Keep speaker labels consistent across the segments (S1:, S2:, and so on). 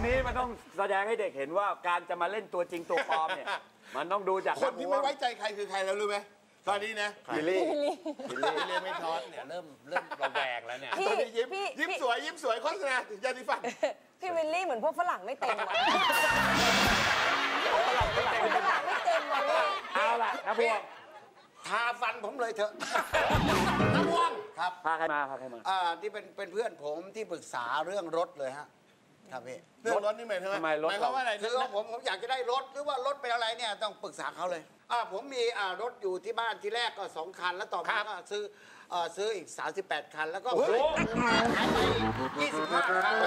S1: นี้มันต้องแสดงให้เด็กเห็นว่าการจะมาเล่นตัวจริงตัวปลอมเนี่ยมันต้องดูจาก
S2: คนที่ไม่ไว้ใจใครคือใครแล้วรู้ไหมตอนนี้นะ
S1: บิลลี่
S2: ไม่ทอด
S3: เนี่ยเริ่มระแวงแล้วเนี่ย
S2: ตอนนี้ยิ้มสวยโฆษณาถึงยาสีฟัน
S4: พี่วิลลี่เหมือนพวกฝรั่งไม่เต็มว่ะฝรั่งไม่เต็มว่ะ
S1: เอาล่ะนะพวง
S3: ทาฟันผมเลยเถอะ
S2: น้ำพวง
S3: ครับ
S1: พาใครมา
S3: ที่เป็นเพื่อนผมที่ปรึกษาเรื่องรถเลยฮะครับพี่
S2: เรื่องรถนี่หมายถึง
S1: หมายความ
S3: ว่าอะไรคือผมอยากจะได้รถหรือว่ารถเป็นอะไรเนี่ยต้องปรึกษาเขาเลยผมมีรถอยู่ที่บ้านที่แรกก็2 คันแล้วต่อมาก็ซื้ออีก38 คันแล้วก็ขายไป25 คัน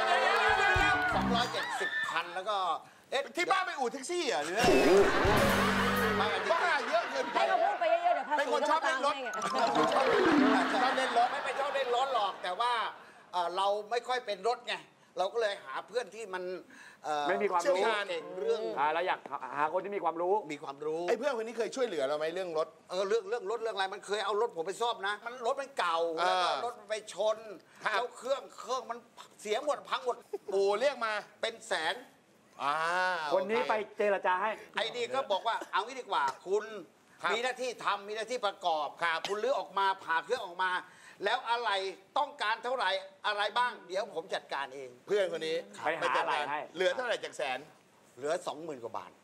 S3: 270 คันแล้วก็
S2: ที่บ้านไปอู่แท็กซี่เหรอหรือบ้าเยอะเกินไป
S4: ให้เขาพูดไปเยอะๆเดี๋ยวภาษี
S2: เป็นคนชอบเล่นรถ
S3: ชอบเล่นรถไม่เป็นชอบเล่นรถหรอกแต่ว่าเราไม่ค่อยเป็นรถไงเราก็เลยหาเพื่อนที่มัน
S1: ไม่มีความรู้
S3: เก่งเรื่อง
S1: เราอยากหาคนที่มีความรู้
S2: ไอ้เพื่อนคนนี้เคยช่วยเหลือเราไหมเรื่องรถ
S3: เรื่องรถเรื่องอะไรมันเคยเอารถผมไปซ่อมนะมันรถมันเก่าแล้วก็รถมันไปชนแล้วเครื่องมันเสียหมดพังหมด
S2: ปู่เรียกมา
S3: เป็นแสน
S1: คนนี้ไปเจรจาให้
S3: ไอ้นี่ก็บอกว่าเอางี้ดีกว่าคุณมีหน้าที่ทำมีหน้าที่ประกอบคุณลื้อออกมาผ่าเครื่องออกมาแล้วอะไรต้องการเท่าไหร่อะไรบ้างเดี๋ยวผมจัดการเอง
S2: เพื่อนคนนี้
S1: ไปหาอะไรให้
S2: เหลือเท่าไหร่จากแสน
S3: เหลือ 20,000 กว่าบาท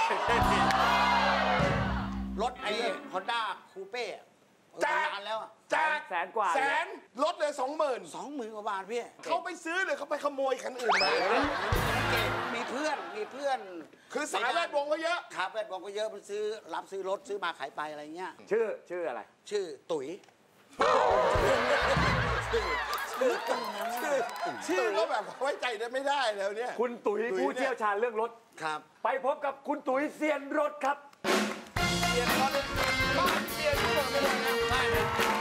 S3: รถไอ้ฮอนด้าคูเป้นานแล้ว
S2: จาก
S1: แสนกว่า
S2: ลดเลย
S3: 20,000 กว่าบาทพี่
S2: เขาไปซื้อหรือเขาไปขโมยคันอื่นมา
S3: มีเพื่อน
S2: คือสายแวดวงก็เยอะ
S3: ครับแวดวงก็เยอะมันรับซื้อรถซื้อมาขายไปอะไรเงี้ย
S1: ชื่ออะไร
S3: ชื่อตุ๋ย
S2: ชื่อก็แบบไว้ใจได้ไม่ได้แล้วเนี่ย
S1: คุณตุ๋ยผู้เชี่ยวชาญเรื่องรถ
S3: ครับ
S1: ไปพบกับคุณตุ๋ยเซียนรถครับ
S2: เซียนรถบ้านเซียนรถไม่ได้นะได้เลย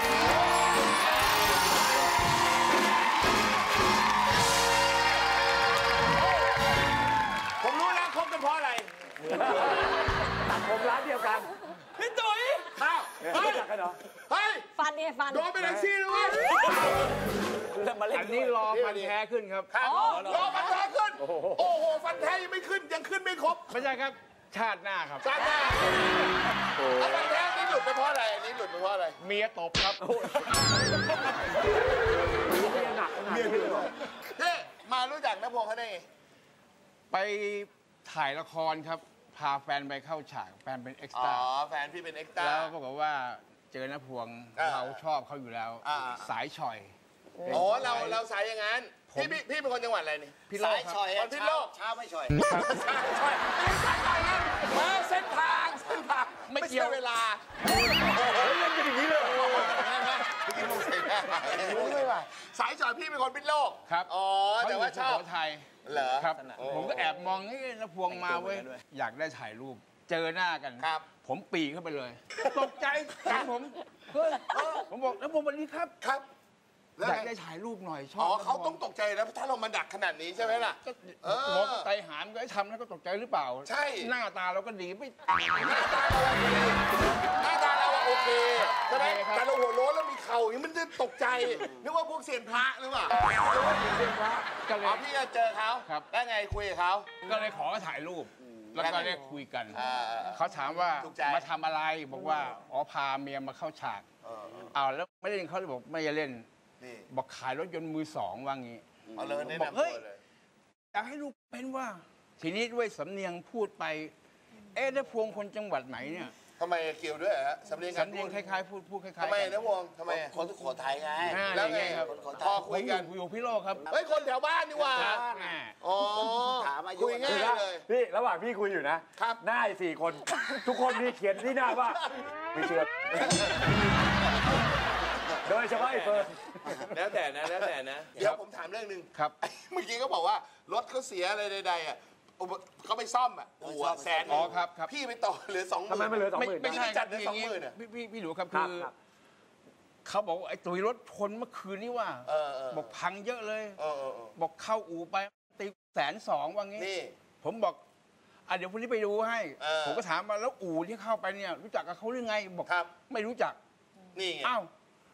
S2: ผมรู้แล้วคบกันเพราะอะไร
S1: ตัดผมร้านเดียวกัน
S2: พี่ตุ๋ย
S1: อ้าวรู้จักกันเหรอ
S2: เฮ้ย
S4: ฟันเนี่ยฟัน
S2: โดนไปแท็กซี่ด้วย
S1: อันนี้รอฟันแท้ขึ้นครับ
S2: รอฟันแท้ขึ้นโอ้โหฟันแท้ยังไม่ขึ้นยังขึ้นไม่ครบ
S1: ไม่ใช่ครับชาติหน้าครับ
S2: ชาติหน้าฟันแท้นี่หลุดไปเพราะอะไรอันนี้หลุดไปเพราะอะไร
S1: เมียตบครับเมียหนัก
S2: เมียตบมารู้จักน้าพงษ์เขาได้ไง
S5: ไปถ่ายละครครับพาแฟนไปเข้าฉากแฟนเป็นเอ็กซ์ตร้า
S2: แฟนพี่เป็นเอ็กซ์ตร้า
S5: แล้วปรากฏว่าเจอน้าพวงเราชอบเขาอยู่แล้วสายฉ่อย
S2: เราสายอย่างนั้นพี่เป็นคนจังหวัดอะไรนี่
S5: พี่โลก
S3: ฉ่อย
S2: พี่โลก
S3: เช้าไม่ฉ่อย
S2: มาเส้นทางไม่เกี่ยวเวลา
S1: เล่นกันอย่างนี้เลย
S2: สายฉ่อยพี่เป็นคนพิษโลก
S5: ครับ
S2: แต่ว่าชอบ
S5: ไทย
S2: เหรอ
S5: ครับผมก็แอบมองนี่น้าพวงมาเว้ยอยากได้ถ่ายรูปเจอหน้ากันผมปีเข้าไปเลยตกใจกันผมบอกน้าพวงวันนี้ครับอยากได้ถ่ายรูปหน่อยชอบ
S2: เขาต้องตกใจนะถ้าเรามาดักขนาดนี้ใช่ไหมล่ะ
S5: มองไตหามก็ทำแล้วก็ตกใจหรือเปล่า
S2: ใช่
S5: หน้าตาเราก็ดีไม่
S2: หน้าตาเราโอเคใช่ไหมแต่เราหัวโล้นแล้วมีเข่าอย่างนี้มันจะตกใจนึกว่าพวกเซียนพระหรือเปล่าเซียนพระก็เลยพี่ก็เจอเขาแล้วไงคุยกับเขา
S5: ก็เลยขอถ่ายรูปแล้วก็ได้คุยกันเขาถามว่ามาทำอะไรบอกว่าพาเมียมาเข้าฉากแล้วไม่เล่นเขาเลยบอกไม่จะเล่นบอกขายรถยนต์มือสองว่างี้บอกเฮ้ยอยากให้ลูกเป็นว่าทีนี้ด้วยสำเนียงพูดไปน้าพวงคนจังหวัดไหนเนี่ย
S2: ทำไมเกี่ยวด้วยฮะสำเนียง
S5: คล้ายๆพูดคล้ายๆ
S2: ทำไมน้าพวงทำไม
S3: คนสุโขทัยไง
S5: แล้วไงครับ
S2: พอคุยกัน
S5: อยู่พี่โลกครับ
S2: เฮ้ยคนแถวบ้านนี่ว่า
S3: ถามอายุ
S2: คุยง่ายเลย
S1: พี่ระหว่างพี่คุยอยู่นะหน้า4 คนทุกคนมีเขียนที่หน้าว่าไม่เชื่อโดยเฉพาะไอ้เฟิร์น
S2: แล้วแต่นะเดี๋ยวผมถามเรื่องนึง
S5: ครับ
S2: เมื่อกี้ก็บอกว่ารถเขาเสียอะไรใดๆเขาไปซ่อมแสน
S5: ครับ
S2: พี่ไปต่อเหลือ20,000
S1: ทำไมไม่เหลือ20,000
S2: ไม่ใช่จัดเหลือ20,000
S5: พี่หนูครับคือเขาบอกไอ้ตุ๋ยรถชนเมื่อคืนนี้ว่าบอกพังเยอะเลยบอกเข้าอู่ไปตี120,000ว่างี้ผมบอกเดี๋ยวพรุ่งนี้ไปดูให้ผมก็ถามมาแล้วอู่ที่เข้าไปเนี่ยรู้จักกับเขาหรือไงบอกไม่รู้จัก
S2: นี่
S5: อ้าว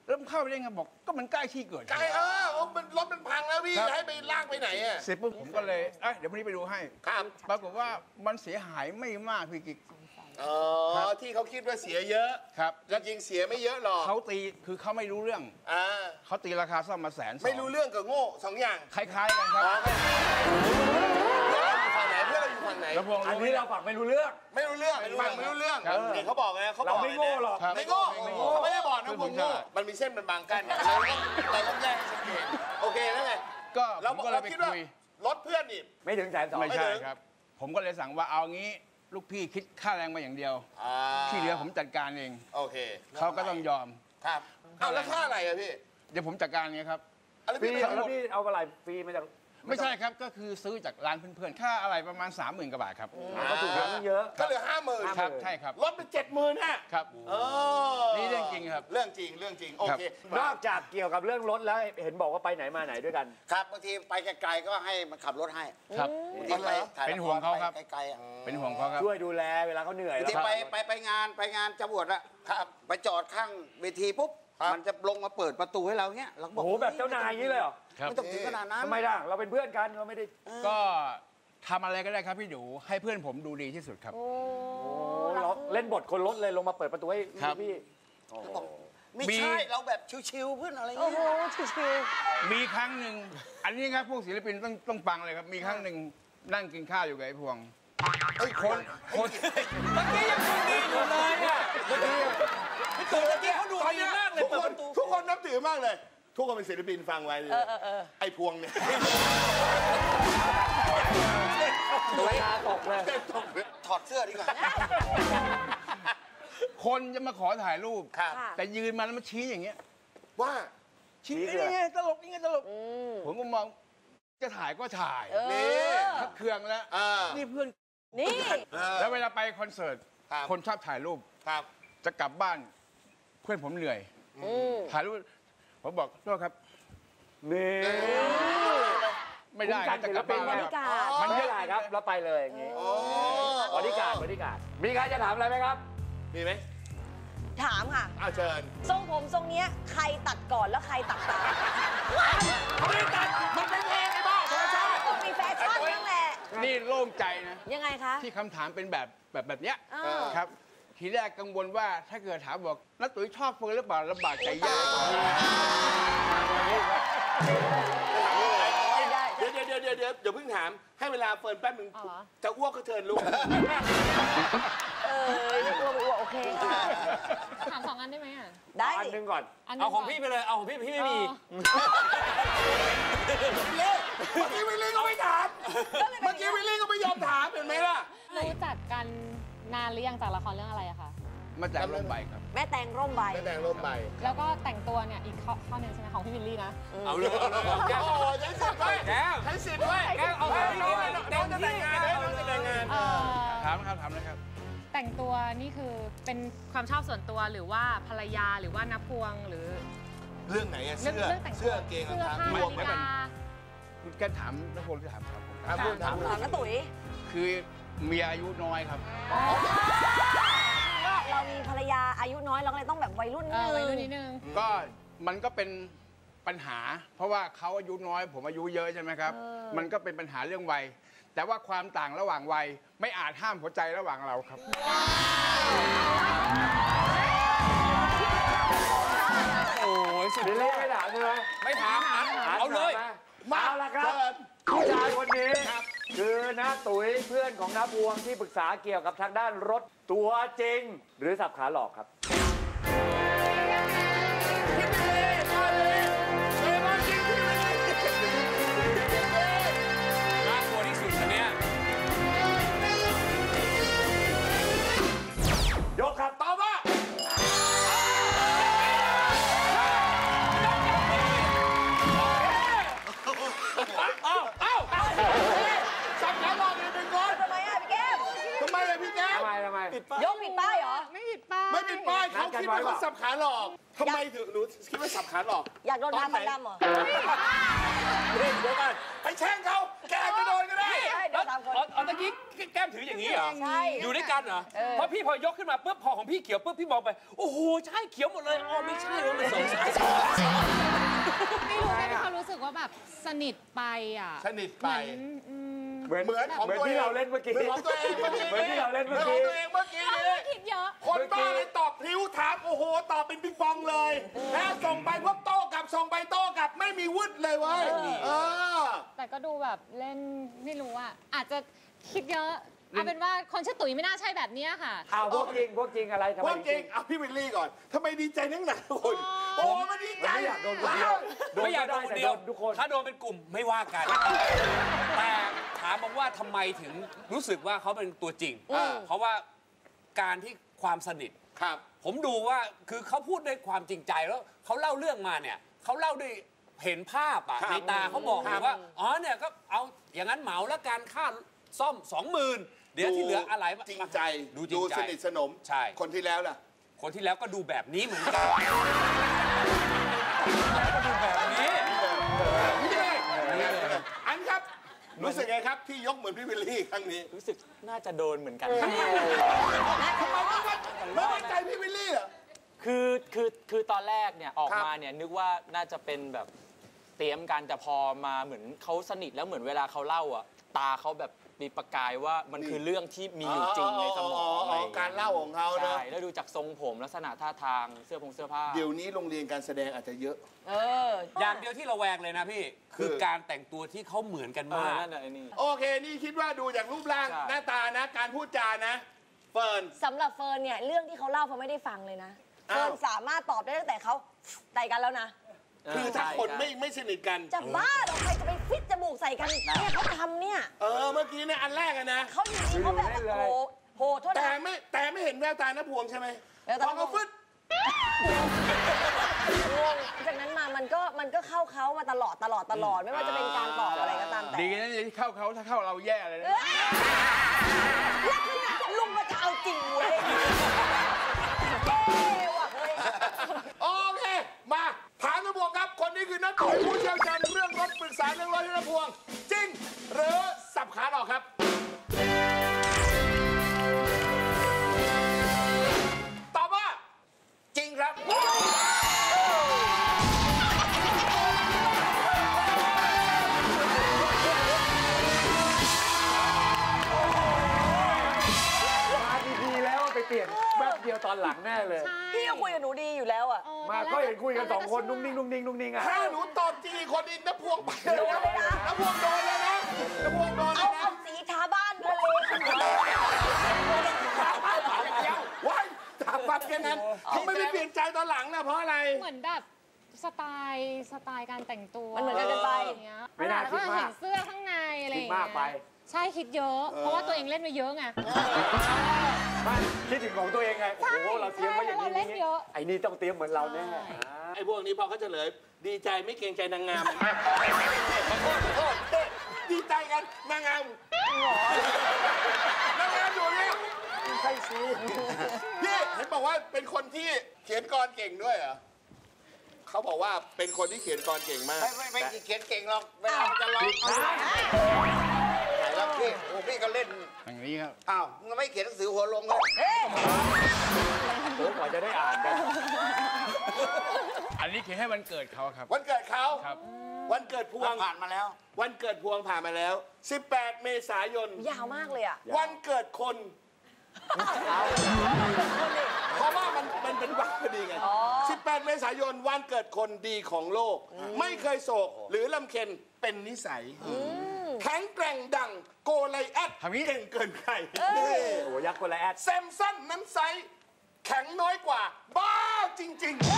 S5: แล้วมันเข้าไปได้ไงบอกก็มันใกล้ที่เกิด
S2: ไกลมันรถมันพังแล้วพี่จะให้ไปลากไปไหนอ่ะ
S5: เสร็จปุ๊บผมก็เลยเดี๋ยวพรุ่งนี้ไปดูให้
S2: ครับ
S5: ปรากฏว่ามันเสียหายไม่มากพี่กิ๊ก
S2: ที่เขาคิดว่าเสียเยอะ
S5: ครับ
S2: จริงๆเสียไม่เยอะหรอก
S5: เขาตีคือเขาไม่รู้เรื่อง เขาตีราคาซ่อมมา120,000
S2: ไม่รู้เรื่องกับโง่2 อย่าง
S5: คล้ายๆกันครับ
S2: เพื่อนเราอยู่ฝั่งไหนเพื่อนเราอยู่ฝั่งไหน
S5: แล้วพวง
S1: อันนี้เราฝักไม่รู้เรื่อง
S2: ไม่รู้เรื่องฝั่งไม่รู้เรื่องนี่เขาบอกไงเขาบ
S1: เรา
S2: อก
S1: ไม่โง่หรอก
S5: ครับ
S2: ไม่โง่เขาไม่ได้บอกนะพวกโง่มันมีเส้นมันบางกั้นเราต้องแยกให้ชัดเจนโอเคแล้วไง
S5: ก็ผ
S2: เรา
S5: มก็เลยไป
S2: คิดว่า
S5: คุย
S2: รถเพื่อนนี่
S1: ไม่ถึง120,000
S5: ไม่ใช่ครับ ผมก็เลยสั่งว่าเอางี้ลูกพี่คิดค่าแรงมาอย่างเดียว ที่เหลือผมจัดการเอง
S2: โอเค
S5: เขาก็ต้องยอม
S2: ครับเอาแล้วค่าอะไรอะพี่
S5: เดี๋ยวผมจัดการไงครับ
S2: อะไร
S1: ฟรี
S2: พี่
S1: แล้วพี่เอาอะไรฟรีมาจาก
S5: ไม่ใช่ครับก็คือซื้อจากร้านเพื่อนๆค่าอะไรประมาณ 30,000 กว่าบาทครับ
S1: ก็ถูกแล้วเยอะ
S2: ก็เหลือ50,000
S5: ครับใช่ครับ
S2: ลดไป70,000ฮะ
S5: ครับ นี่เรื่องจริงครับ
S2: เรื่องจริงเรื่องจริงโอเคน
S1: อกจากเกี่ยวกับเรื่องรถแล้วเห็นบอกว่าไปไหนมาไหนด้วยกัน
S3: ครับบางทีไปไกลๆก็ให้มันขับรถให้
S5: ครับ
S3: บางทีไปถ่าย
S5: เป็น
S3: ละค
S5: ห่วง
S3: ร
S5: เขาครับ
S3: ไปไกลๆอะ
S5: เป็นห่วงเขาครับ
S1: ช่วยดูแลเวลาเขาเหนื่อย
S3: บาง
S1: แล้ว
S3: ที
S1: ครับ
S3: ไปงานจะบวชอะ
S2: ครับ
S3: ไปจอดข้างเวทีปุ๊บมันจะลงมาเปิดประตูให้เราเงี้ยเราก็บอ
S1: โอ้
S3: ก
S1: โหแบบเจ้านายอย่างนี้เลยเหรอ
S5: ครับ
S3: ไม่ต้องถึงขนาดนั้น
S1: ทำไมล่ะเราเป็นเพื่อนกันเราไม่ได้
S5: ก็ทำอะไรก็ได้ครับพี่ดูให้เพื่อนผมดูดีที่สุดครับ
S4: โอ้
S1: โอ้เราเล่นบทคนรถเลยลงมาเปิดประตูให้
S5: ครับ
S1: พี่
S3: ไม่ใช่เราแบบชิวๆเพื่อนอะไร
S4: โอ้
S3: เงี้
S4: โห
S3: ย
S4: ชิว
S5: มีครั้งหนึ่งอันนี้ครับพวกศิลปินต้องฟังเลยครับ มีครั้งหนึ่งนั่งกินข้าวอยู่กับไอ้พวงคน
S6: เมื่อกี้ยังดูดีอยู่เลยอ่ะเมื่อกี้เขาดูดีมากเลยเปิดประตู
S2: ทุกคนนับถือมากเลย ทุกคนเป็นศิลปินฟังไว้เลยไอ้พวงเนี่ย
S1: ตัวตาตกเลย
S3: ถอดเสื้อดีกว่า
S5: คนจะมาขอถ่ายรูป
S2: ครับ
S5: แต่ยืนมาแล้วมาชี้อย่างเงี้ย
S2: ว่า
S5: ชี้นี่ไงตลกนี่ไงตลกผมก็มองจะถ่ายก็ถ่าย
S2: นี่
S5: ทักเครื่องแล้วนี่เพื่อน
S4: ๆนี่
S5: แล้วเวลาไปคอนเสิร์ต
S2: ครับ
S5: คนชอบถ่ายรูป
S2: ครับ
S5: จะกลับบ้าน เพื่อนผมเหนื่อยถ่ายรูปผมบอกโทษครับ
S1: นี่
S5: ไม่ได้นะจะกลับบ้าน
S4: บริการ
S1: มันเยอะครับแล้วไปเลยอย่างงี้บริการมีใครจะถามอะไรไหมครับ
S2: มีไหม
S4: ถามค่ะ
S2: อ้าวเชิญ
S4: ทรงผมทรงเนี้ยใครตัดก่อนแล้วใครตัดตาม
S2: เขาไม่ได้ตัดมันเป็นเองไอ้บ้าธรรมชาติ
S4: ต้องมีแฟชั่นบ้างแหละ
S5: นี่โล่งใจนะ
S4: ยังไงคะ
S5: ที่คำถามเป็นแบบเนี้ย
S4: า
S5: ครับ ทีแรกกังวลว่าถ้าเกิดถามบอกนักตุ๋ยชอบเฟิร์นหรือเปล่าลำบากใจยาก
S4: ได้
S2: เดี๋ยวเพิ่งถามให้เวลาเฟิร์นแป๊บนึงจะอ้วกก็เชิญลูก
S4: ไม่กลัวไม่กลัวโอเคค่ะ
S7: ถาม2 อันได้ไหมอ่ะ
S4: ได้
S1: อันหนึงก่อน
S6: เอาของพี่ไปเลย เอาของพี่ไม่มี
S2: เมื่อกี้วิลลี่ก็ไม่ถาม เมื่อกี้วิลลี่ก็ไม่ยอมถามเห็นไหมล่ะ
S7: รู้จักกันนานหรือยังจากละครเรื่องอะไรอะคะ
S5: มาจากลมใบครับ
S4: แม่แตงร่มใบ
S2: ไม่แต่งร่มใบ
S7: แล้วก็แต่งตัวเนี่ยอีกข้อหนึ่งใช่ไหมของพี่วิลลี่นะ
S6: เอาเลย
S2: แก้วใช้สิทธิ์ไว้
S6: แก้ว
S2: ใช้สิทธิ์ไว้
S6: แก้วเอาไปน้องจะแต่งงาน
S2: น้องจะแต่งงาน
S5: ถามนะครับ
S7: แต่งตัวนี่คือเป็นความชอบส่วนตัวหรือว่าภรรยาหรือว่านับพวงหรือ
S2: เรื่องไหนอะ
S7: เรื่
S2: เสื้อ
S7: แต่งตัว
S2: เสื้อเกงรอง
S7: เสื้อ
S2: เท้า
S7: ผ้าร
S2: วม
S7: นาฬิ
S2: กัน
S7: กา
S5: คุณแกถามนักพลหรือถามผม
S2: ถามพูดถาม
S4: ถามน้าตุ๋ย
S5: คือเมียอายุน้อยครับ
S4: ก็เรามีภรรยาอายุน้อยเราก็เลยต้องแบบวัยรุ่นนิดนึง
S7: วัยรุ่นนิดนึง
S5: ก็มันก็เป็นปัญหา เพราะว่าเขาอายุน้อย ผมอายุเยอะใช่ไหมครับ มันก็เป็นปัญหาเรื่องวัย แต่ว่าความต่างระหว่างวัยไม่อาจห้ามหัวใจระหว่างเราครับ
S6: โอ้ยสุด
S1: บิล
S6: ย
S1: ลี่
S6: อด
S1: ไม่ถามใช่ไหม
S6: ไม่ถามเอาเลย
S1: มาละครับผู้ชายคนนี้คือน้าตุ๋ยเพื่อนของน้าพวงที่ปรึกษาเกี่ยวกับทางด้านรถตัวจริง หรือสับขาหลอกครับ
S6: น่ากลัวที่สุดอันเนี้ย
S1: ยกครับตอบว่า
S2: สับขาหลอกเลยเป็นก้อน
S4: ทำไมอ่ะพี่แก้ม
S2: ทำไมอะพี่แก้ว
S1: ทำไม
S4: ยกผิดป้ายเหรอ
S7: ไม่ผิดป้าย
S2: ไม่ปิดป้ายเขาคิดว่าเขาสับขาหลอกทำไมถึงหนูคิดว่าสับขาหลอก
S4: อยากโดนทาฟันดำเหรอ
S1: เดี๋ยวกัน
S2: ไปแช่งเขาแกอาจจะโดนก็ได้
S4: ใช่เดี๋ยวตามคน
S6: เอาตะกี้กี้แก้มถืออย่างนี้เหรอ
S4: ใช่
S6: อยู่ด้วยกันเหรอเพราะพี่พอยกขึ้นมาปุ๊บพอของพี่เขียวปุ๊บพี่มองไปโอ้โหใช่เขียวหมดเลยอ๋อไม่ใช่มันสองสาย
S7: ไม่รู้ได้มีความรู้สึกว่าแบบสนิทไปอ่ะ
S2: สนิทไป
S7: เหมือน
S1: เหมือน
S2: ของ
S1: เหมือน
S2: ตัวเอง
S1: ที่เราเล่นเมื่อกี้
S2: เหมือนของตัวเองเมื่อกี้
S1: เหมือนที่เราเล่นเมื่อ
S2: ขอ
S1: กี้
S2: งตัวเองเมื่อกี้
S7: เรา
S2: นี้
S7: คิดเยอะ
S2: คนบ้าเลยตอบพลิ้วถามโอ้โหตอบเป็นปิงปองเลยนะส่งไปพวกโต้กลับส่งไปโต้กลับไม่มีวึดเลยเว้ย
S7: แต่ก็ดูแบบเล่นไม่รู้อ่ะอาจจะคิดเยอะเอาเป็นว่าคนชื่อตุ๋ยไม่น่าใช่แบบเนี้ยค่ะ
S1: อ้าวพวกจริงอะไรทำไม
S2: ว่าจริงเอาพี่วิลลี่ก่อนทำไมดีใจนักหนาคุณโอ้มันดีใจ
S1: ไม่อยากโดนคนเดียว
S6: ไม่อยากโดนคนเดียว
S1: ทุกคน
S6: ถ้าโดนเป็นกลุ่มไม่ว่ากัน แต่ถามบอกว่าทำไมถึงรู้สึกว่าเขาเป็นตัวจริง เพราะว่าการที่ความสนิท
S2: ครับ
S6: ผมดูว่าคือเขาพูดด้วยความจริงใจแล้วเขาเล่าเรื่องมาเนี่ยเขาเล่าด้วยเห็นภาพอ่ะ
S2: ครับ
S6: ในตาเขาบอก
S2: ครับ
S6: ว่าอ๋อเนี่ยก็เอาอย่างนั้นเหมาแล้วการค่าซ่อม 20,000 เดี๋ยวที่เหลืออะไร
S2: จริงใจ
S6: ดูจริงใจ
S2: สนิทสนม
S6: ใช่
S2: คนที่แล้วล่ะ
S6: คนที่แล้วก็ดูแบบนี้เหมือนกันก็ดูแบบนี้
S2: อันครับ รู้สึกไงครับที่ยกเหมือนพี่วิลลี่ครั้งนี้
S8: รู้สึกน่าจะโดนเหมือนกัน
S2: ทำไมไม่ไว้ใจพี่วิลลี่เหรอ
S8: คือตอนแรกเนี่ยออก
S2: ครับ
S8: มาเนี่ยนึกว่าน่าจะเป็นแบบเตรียมกันแต่พอมาเหมือนเขาสนิทแล้วเหมือนเวลาเขาเล่าอ่ะตาเขาแบบมีประกายว่ามันคือเรื่องที่มีอยู่จริงในสมองอะไรอย่งงี้ย
S2: การเล่าของเขานะ
S8: ใช่แล้วดูจากทรงผมลักษณะท่าทางเสื้อผ้า
S2: เดี๋ยวนี้โรงเรียนการแสดงอาจจะเยอะ
S6: อย่างเดียวที่เราแวงเลยนะพี่ คือการแต่งตัวที่เขาเหมือนกัน
S8: เอ
S6: มา
S8: อก นั่นแหละไอ้นี่
S2: โอเค นี่คิดว่าดูจากรูปร่าง
S8: ใช่
S2: หน้าตานะ การพูดจานะ เฟิร์น
S4: สำหรับเฟิร์นเนี่ยเรื่องที่เขาเล่าเขาไม่ได้ฟังเลยนะ
S2: อ้าว
S4: เฟิร์นสามารถตอบได้ตั้งแต่เขาไต่กันแล้วนะ
S2: คือถ้าคนไม่สนิทกัน
S4: จะบ้าเหรอใครจะไปฟิตจมูกใส่กันเนี่ยเขาทำเนี่ย
S2: เมื่อกี้เนี่ยอันแรกอะนะ
S4: เขาอยู่ดีเขาแบบโอ้โหโทษ
S2: แต่
S4: นะ
S2: ไม่เห็นแววตาน้าพวงใช่ไหม
S4: แววตา
S2: พอเขาฟึด
S4: งงจากนั้นมามันก็เข้าเขามาตลอดไม่ว่าจะเป็นการตอบอะไรก็ตามแต่
S5: ดีนะที่เข้าเขาถ้าเข้าเราแย่เลยนะ
S4: ลักษณะลุงมันจะเอาจริงเว้ยว่ะเฮ้ย
S2: โอเค มาถามน้าพวงครับ คนนี้คือนักตุ๋ยผู้เชี่ยวชาญเรื่องรถปรึกษาเรื่องรถให้น้าพวง จริง หรือสับขาหลอกครับ ตอบว่า จริงครับ
S1: มาดีๆแล้วไปเปลี่ยนแวบเดียวตอนหลังแน่เลย
S4: พี่ก็คุยกับหนูดีอยู่แล้วอ่ะ
S1: มาก็เห็นคุยกัน2 คนนุ่งนิ่งอ่ะ
S2: ถ้าหนูตอบจริงอีกคนนี้น้าพวงไปเลยนะน้าพวงโดนเลยนะน้าพวงโดนเล
S4: เอา
S2: ยนะ
S4: เอาสีทาบ้านมาเลย
S2: ว้ายถามปั๊บแค่นั้นทำไมไม่เปลี่ยนใจตอนหลังนะเพราะอะไร
S7: เหมือนแบบสไตล์การแต่งตัว
S4: มันเหมือนกันเกินไป
S7: อย่างเงี้ย
S1: ไม่น่า
S7: แล้ว
S1: คิ
S7: ก็
S1: ดมาก
S7: เห็นเสื้อข้างในอะไรอย่าง
S1: คิด
S7: เงี้
S1: มากไป
S7: ยใช่คิดเยอะ เพราะว่าตัวเองเล่นมาเยอะไง
S1: ไม่คิดถึงของตัวเองไง โอ้โห เราเตรียมไว้อย่างนี้
S7: ใช่เราเล่นเยอะ
S1: ไอ้นี่ต้องเตรียมเหมือนเราแน่
S2: ไอ้พวกนี้พอเขาเฉลย ดีใจไม่เกรงใจนางงามขอโทษดีใจกันนางงามนางงามอยู่เนี่ย
S1: ใช่สิ
S2: พี่เห็นบอกว่าเป็นคนที่เขียนกรเก่งด้วยเหรอเขาบอกว่าเป็นคนที่เขียนกรเก่งมาก
S3: ไม่เขียนเก่งหรอกเวลาจะร้องแล้วพี่โอ้พี่ก็เล่น
S5: อย่างนี้ครับ
S3: อ้าวมึงไม่เขียนหนังสือหัวลงเลย
S1: โอ้กว่าจะได้อ่านกัน
S5: อันนี้เขียนให้วันเกิดเขาครับ
S2: วันเกิดเขา
S5: ครับ
S2: วันเกิดพวง
S3: ผ่านมาแล้ว
S2: วันเกิดพวงผ่านมาแล้ว 18 เมษายน
S4: ยาวมากเลยอ่ะ
S2: วันเกิดคน เพราะว่ามันเป็นวันพอดีไง 18 เมษายน วันเกิดคนดีของโลก ไม่เคยโศกหรือลำเค็ญเป็นนิสัย แข็งแกร่งดังโกไลแอด
S5: ทำงี้
S2: เก่งเกินใคร
S1: โอ้โหยักษ์คนละแอด
S2: แซมสันนั้นไซส์แข็งน้อยกว่า บ้าจริง ๆ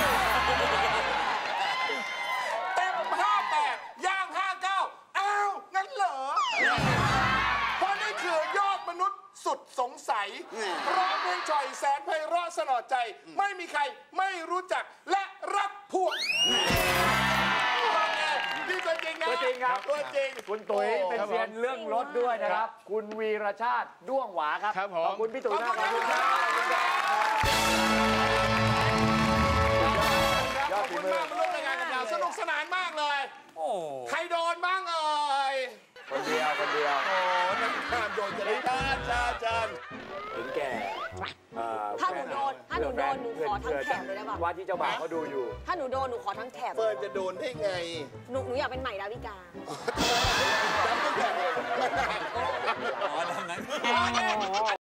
S2: เต็ม58ย่าง59อ้าว งั้นเหรอ เพราะนี่คือยอดมนุษย์สุดสงสัยร้องเพลงฉ่อยแสนไพเราะสนอใจ ไม่มีใครไม่รู้จักและรักพวกนี่ตัวจริงนะ
S1: ตัวจริงครับ
S2: ตัวจริง
S1: คุณตุ๋ยเป็นเซียนเรื่องรถด้วยนะครับ คุณวีรชาติด้วงหวาครับ
S5: ครับผม
S1: ขอบคุณพี่ตุ๋ยนะ
S2: ขอบคุณครับ
S1: ยอ
S2: ข
S1: ด
S2: อบ
S1: ฝี
S2: คุณ
S1: มือ
S2: มากมาร่วมรายการกับเราสนุกสนานมากเลย
S6: โอ้
S2: ใครโดนบ้างเอ่ย
S1: คนเดียว
S2: โอ้นักข่าวโด
S4: หนูโดนหนูขอทั้งแถบเลยได้ป่ะ
S1: ว่าที่เจ้าบ่าวเขาดูอยู่
S4: ถ้าหนูโดนหนูขอทั้งแถบ
S2: เฟิร์นจะโดนได้ไง
S4: หนูอยากเป็นใหม่ดาวิกา
S2: จำตั้งแต่
S6: อ๋อดังนั้น